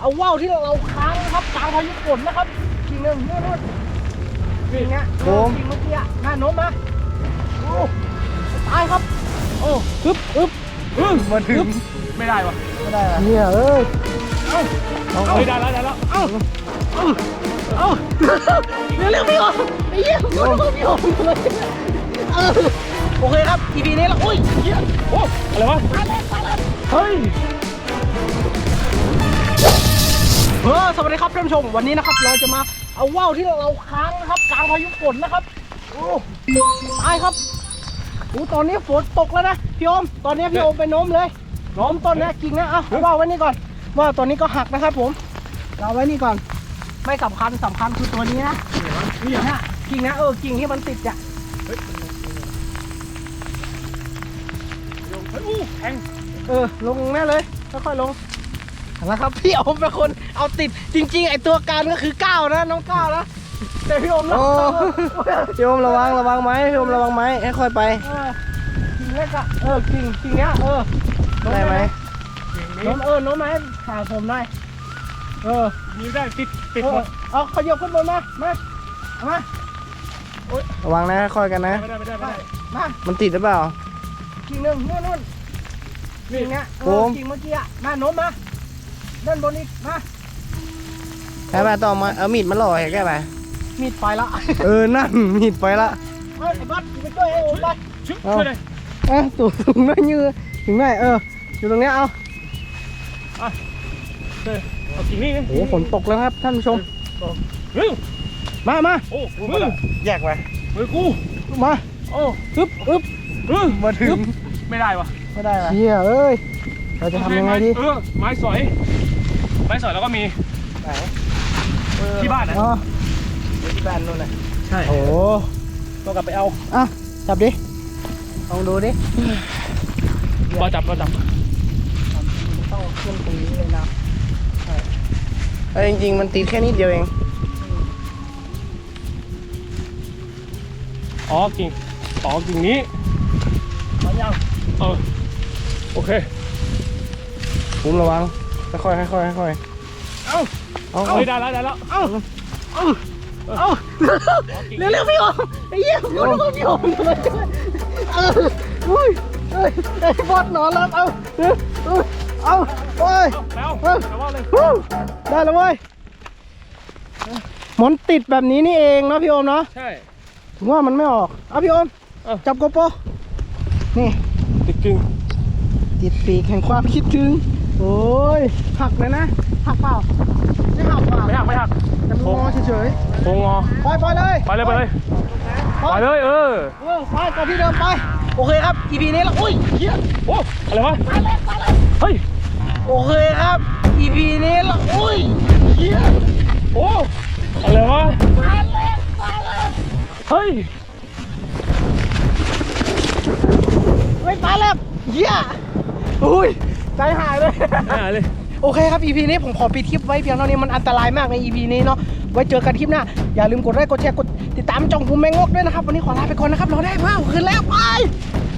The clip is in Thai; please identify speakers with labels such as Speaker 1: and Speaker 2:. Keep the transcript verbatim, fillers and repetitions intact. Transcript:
Speaker 1: เอาว่าวที่เราค้างนะครับกลางพายุฝนนะครับกิ่งหนึ่งนู่นนู่นกิ่งเนี้ยกิ่งเมื่อกี้น่าโน้มนะโอ้ตายครับโอ้อึ๊บอึ๊บอึ๊บมาถึงไม่ได้วะไม่ได้เนี่ยเอ้ยเอ้าเอาได้แล้วได้แล้วเอ้าเอ้าเอ้าเร็วเร็วพี่อมไอ้เหี้ยพี่อมพี่อมเลยเออโอเคครับ อี พี นี้แล้วโอ้ยเหี้ยโอ้อะไรวะเฮ้ยเออสวัสดีครับท่านผู้ชมวันนี้นะครับเราจะมาเอาว่าวที่เราค้างนะครับกลางพายุฝนนะครับโอ้ตายครับโอ้ตอนนี้ฝนตกแล้วนะพี่อมตอนนี้พี่อมไปโน้มเลยโน้มต้นนะกิ่งนะเอาว่าวไว้นี่ก่อนว่าวตอนนี้ก็หักนะครับผมเอาไว้นี่ก่อนไม่สำคัญสำคัญคือตัวนี้นะนี่นะกิ่งนะเออกิ่งที่มันติดอ่ะเออลงแน่เลยค่อยๆลงนะครับพี่อมเป็นคนเอาติดจริงๆไอตัวการก็คือก้าวนะน้องก้าวนะแต่พี่อมนะพี่อมระวังระวังไหมพี่อมระวังไหมให้ค่อยไปกิ่งเล็กอะเออกิ่งกิ่งเนี้ยเออได้ไหมโน้มเออโน้มไหมหาผมได้เออนี่ได้ติดติดหมดเอาขยับขึ้นบนมามามาระวังนะค่อยกันนะไม่ได้ไม่ได้ไม่ได้มามันติดหรือเปล่ากิ่งหนึ่งนู่นนู่นกิ่งเนี้ยเออกิ่งเมื่อกี้อะมาโน้มมาเล่นบนอีกมาแค่ไปต่อมาเอามีดมาหล่อแค่แค่ไปมีดไปละเออนั่นมีดไปละไอ้บัสไปช่วยไอ้โอ๊ตไปช่วยเลยเออสูงสูงน้อยยืดถึงไหนเอออยู่ตรงนี้เอาเอากิ่งนี้โอ้ฝนตกแล้วครับท่านผู้ชมมามาโอ้มือแยกไปมือกูมาโอ้อึ๊บอึ๊บมาถึงไม่ได้วะไม่ได้วะเฮียเอ้ยเราจะทำยังไงดีเออไม้สอยไม้สอยแล้วก็มีไหนที่บ้านนะอ๋อที่บ้านนู่นน่ะใช่โอ้ต้องกลับไปเอาอ่ะจับดิลองดูดิพอจับพอจับต้องขึ้นตรงนี้เลยนะใช่จริงๆมันติดแค่นิดเดียวเองอ๋อกิ่งอ๋อกิ่งนี้เอายังเออโอเคผมระวังค่อยๆค่อยๆค่อยๆเอาเอาเอาได้แล้วได้แล้วเอาเอาเอาเร็วๆพี่อมไอ้เหี้ยพี่อมพี่อมเลยเอออุ้ยเอ้ยไอ้บอสนอนแล้วเอาเอาเอาโอ้ยแล้วได้แล้วเว้ยมันติดแบบนี้นี่เองเนาะพี่อมเนาะใช่ถึงว่ามันไม่ออกเอาพี่อมจับโกโปนี่ติดจริงติดปีกแห่งความคิดถึงโอ้ยหักเลยนะหักเปล่าไม่หักเปล่าไม่หักไม่หักจะงอเฉยๆโค้งงอไปไปเลยไปเลยไปเลยไปเลยเออเออไปก่อนที่เดิมไปโอเคครับ อี พี นี้แล้วอุ้ยเฮียโอ้อะไรวะไปเลยไปเลยเฮ้ยโอเคครับ อี พี นี้แล้วอุ้ยเฮียโอ้อะไรวะไปเลยไปเลยเฮ้ยไม่ไปแล้วเฮียอุ้ยใจหายเลยหายเลยโอเคครับ อี พี นี้ผมขอปิดคลิปไว้เพียงเท่านี้มันอันตรายมากใน อี พี นี้เนาะไว้เจอกันคลิปหน้าอย่าลืมกดไลค์กดแชร์กดติดตามจ่องภูมิแมงงกด้วยนะครับวันนี้ขอลาไปก่อนนะครับเราได้ว้าวคืนแล้วไป